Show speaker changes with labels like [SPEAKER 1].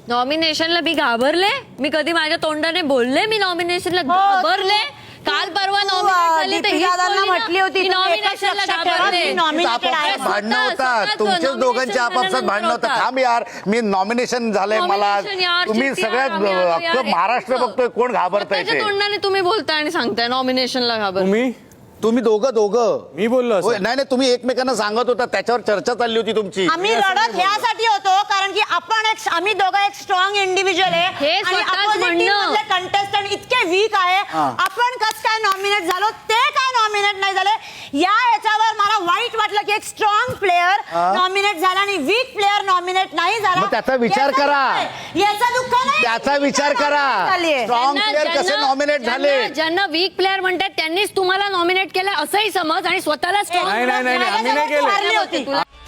[SPEAKER 1] नॉमिनेशनला मी घाबरले? मी कधी माझ्या तोंडाने बोलले मी नॉमिनेशनला घाबरले? काल परवा नॉमिनेट झाली
[SPEAKER 2] म्हटली होती
[SPEAKER 1] नॉमिनेशनला घाबरले.
[SPEAKER 3] भांडणं होतात तुमच्याच दोघांच्या आपापसात भांडणं होतं. थांब यार, मी नॉमिनेशन झालंय मला. तुम्ही सगळ्यात अख्खं महाराष्ट्र बघतोय कोण घाबरताय ते.
[SPEAKER 1] तोंडाने तुम्ही बोलताय आणि सांगताय नॉमिनेशनला घाबर.
[SPEAKER 3] तुम्ही दोघं
[SPEAKER 4] मी बोललो
[SPEAKER 3] नाही नाही, तुम्ही एकमेकांना सांगत होता, त्याच्यावर चर्चा चालली होती तुमची.
[SPEAKER 2] आम्ही लढत ह्यासाठी होतो कारण की आम्ही दोघं एक स्ट्रॉंग इंडिव्हिज्युअल आहे
[SPEAKER 1] हे स्वतःच म्हणणं.
[SPEAKER 2] कंटेस्टंट इतके वीक आहे. आपण कसं काय नॉमिनेट झालो, ते काय नॉमिनेट नाही झाले, या याच्यावर मला वाईट वाटलं की एक स्ट्रॉंग प्लेअर नॉमिनेट झाला आणि वीक प्लेअर नॉमिनेट नाही झाला.
[SPEAKER 3] मग त्याचा विचार करा.
[SPEAKER 2] याचा दुःख नाही,
[SPEAKER 3] त्याचा विचार करा. स्ट्रॉंग प्लेअर कसे नॉमिनेट झाले?
[SPEAKER 1] ज्यांना वीक प्लेअर म्हणतात त्यांनीच तुम्हाला नॉमिनेट केलं असंही समज आणि स्वतःला स्ट्रॉंग
[SPEAKER 4] नाही, आम्ही नाही केलं.
[SPEAKER 2] होती.